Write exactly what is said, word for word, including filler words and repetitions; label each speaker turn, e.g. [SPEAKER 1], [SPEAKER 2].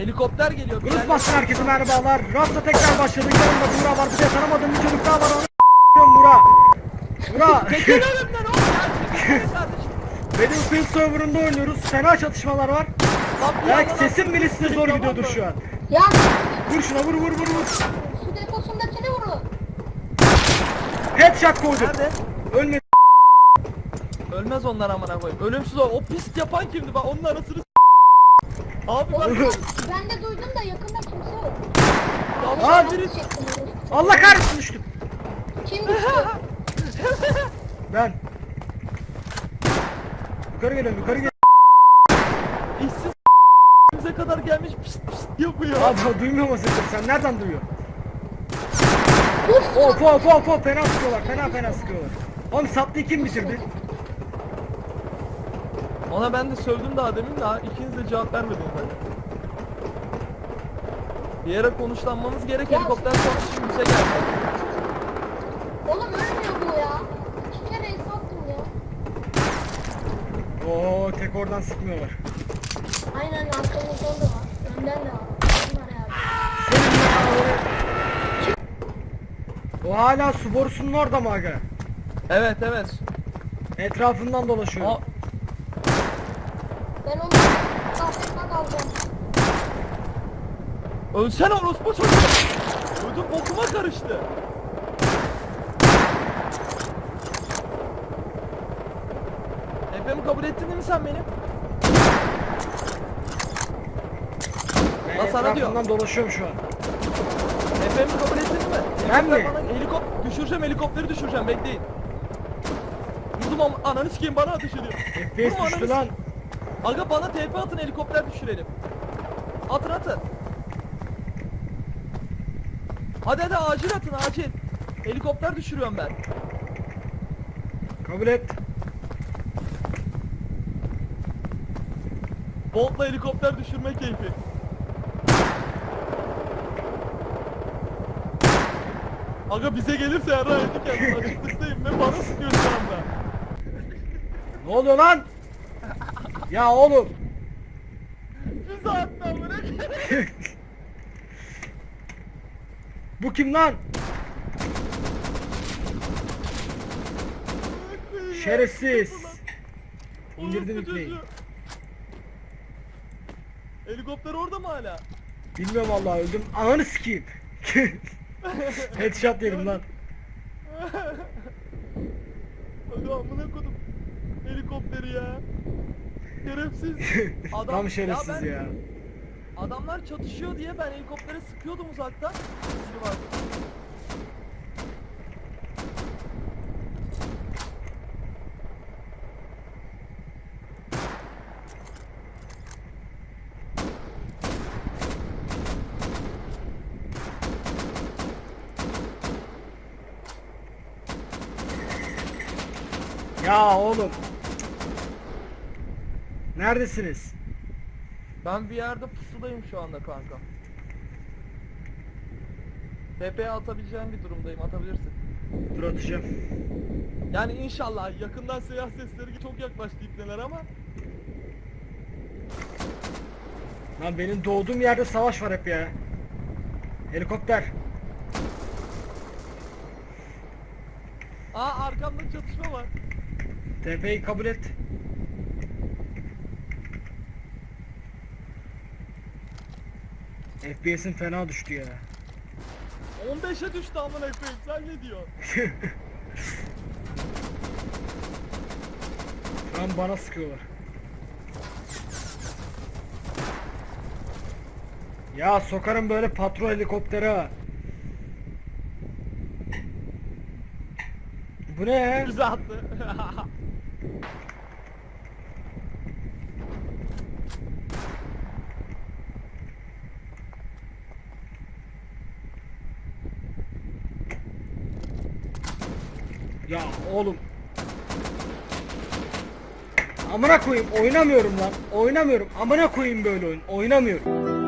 [SPEAKER 1] Helikopter geliyor.
[SPEAKER 2] Rus basın herkese merhabalar. Rasta tekrar başladı. Yanımda Buğra var. Bir de tanımadığım bir çocuk daha var. Onu Buğra. Buğra.
[SPEAKER 1] Çekil önümden oğlum ya. Çekil kardeşim.
[SPEAKER 2] Battlefield serverında oynuyoruz. Fena çatışmalar var.
[SPEAKER 1] Lan bir
[SPEAKER 2] Belki
[SPEAKER 1] yandan
[SPEAKER 2] sesim bile size zor
[SPEAKER 1] tamam
[SPEAKER 2] gidiyordur
[SPEAKER 1] mı?
[SPEAKER 2] şu an.
[SPEAKER 3] Ya
[SPEAKER 2] Vur şuna vur vur vur vur.
[SPEAKER 3] su deposundakini vurun.
[SPEAKER 2] Headshot koydum.
[SPEAKER 1] Nerede?
[SPEAKER 2] Ölmedi.
[SPEAKER 1] Ölmez onlar amına koyayım. Ölümsüz o. O pist yapan kimdi? Bak onun anasını s***. Abi bak.
[SPEAKER 3] Ben de duydum da yakında kimse yok.
[SPEAKER 1] Yavşak
[SPEAKER 2] Lan!
[SPEAKER 1] biri.
[SPEAKER 2] Allah kahretsin düştüm.
[SPEAKER 3] Kim düştü?
[SPEAKER 2] Ben. Yukarı geliyorum yukarı geliyorum.
[SPEAKER 1] İşsiz bize kadar gelmiş pist pist yapıyor.
[SPEAKER 2] Abi duymuyor musun sen? Sen nereden duyuyorsun?
[SPEAKER 3] Uf!
[SPEAKER 2] Hop hop hop hop fena sıkıyorlar fena fena sıkıyorlar. Oğlum sattıyı kim bitirdi?
[SPEAKER 1] Ona ben de sövdüm daha demin de ikiniz de cevap vermediniz bence. Bir yere konuşlanmamız gerek,
[SPEAKER 3] Ya-
[SPEAKER 1] helikopter sonra şimdi bize geldi.
[SPEAKER 3] Oğlum ölmüyor bu ya. İki kere el sattım ya.
[SPEAKER 2] Oo tek oradan sıkmıyorlar.
[SPEAKER 3] Aynen arkamızdan da var. Önden de var. Bunlar yani.
[SPEAKER 2] Senin ya o hala su borusunun orada mı aga?
[SPEAKER 1] Evet evet.
[SPEAKER 2] Etrafından dolaşıyor.
[SPEAKER 1] Aa,
[SPEAKER 3] Ben onu kafesine kalacağım.
[SPEAKER 1] ölsene orospu çocuğu. Ödüm bokuma karıştı. Efemi kabul ettin değil mi sen benim?
[SPEAKER 2] Ben
[SPEAKER 1] Lan sana diyor.
[SPEAKER 2] etrafından dolaşıyorum şu an.
[SPEAKER 1] Efemi kabul ettin mi?
[SPEAKER 2] Ben mi?
[SPEAKER 1] Helikopter bana- Helikop düşüreceğim, helikopteri düşüreceğim, bekleyin. Vurdum ama ananı sikeyim, bana ateş ediyor.
[SPEAKER 2] F P S
[SPEAKER 1] Vurma
[SPEAKER 2] düştü
[SPEAKER 1] ananı
[SPEAKER 2] lan.
[SPEAKER 1] sikeyim. Aga bana T P atın, helikopter düşürelim. Atın atın. Hadi hadi acil atın acil. Helikopter düşürüyorum ben.
[SPEAKER 2] Kabul et.
[SPEAKER 1] Bolt'la helikopter düşürme keyfi. Aga bize gelirse yarrağı yedik ya. Açıklıktayım ve bana sıkıyor şu anda.
[SPEAKER 2] Ne oluyor lan? Ya oğlum.
[SPEAKER 1] Füze attı amına.
[SPEAKER 2] Bu kim lan? Şerefsiz. İndirdim
[SPEAKER 1] Orospu
[SPEAKER 2] ipneyi.
[SPEAKER 1] çocuğu. Helikopter orada mı hala?
[SPEAKER 2] Bilmiyorum vallahi öldüm. Ananı sikeyim. Headshot yedim lan.
[SPEAKER 1] Aga amına kodum. Helikopteri ya. Şerefsiz. Adam,
[SPEAKER 2] Tam şerefsiz
[SPEAKER 1] ya. Ben,
[SPEAKER 2] ya.
[SPEAKER 1] adamlar çatışıyor diye ben helikoptere sıkıyordum uzaktan. Biri var.
[SPEAKER 2] Ya oğlum. Neredesiniz?
[SPEAKER 1] Ben bir yerde pusudayım şu anda kanka. T P'ye atabileceğim bir durumdayım, atabilirsin.
[SPEAKER 2] Dur atacağım.
[SPEAKER 1] Yani inşallah yakından silah sesleri çok yaklaştı ipneler ama
[SPEAKER 2] Lan benim doğduğum yerde savaş var hep ya. Helikopter.
[SPEAKER 1] aa arkamda çatışma var.
[SPEAKER 2] T P'yi kabul et. F P S'in fena düştü ya.
[SPEAKER 1] on beşe düştü amına koyayım, sen ne diyorsun?
[SPEAKER 2] Şu an bana sıkıyorlar. Ya sokarım böyle patrol helikopteri ha. Bu ne ya?
[SPEAKER 1] Bize attı.
[SPEAKER 2] Ya oğlum. Amına koyayım oynamıyorum lan. Oynamıyorum. Amına koyayım böyle oyun. Oynamıyorum.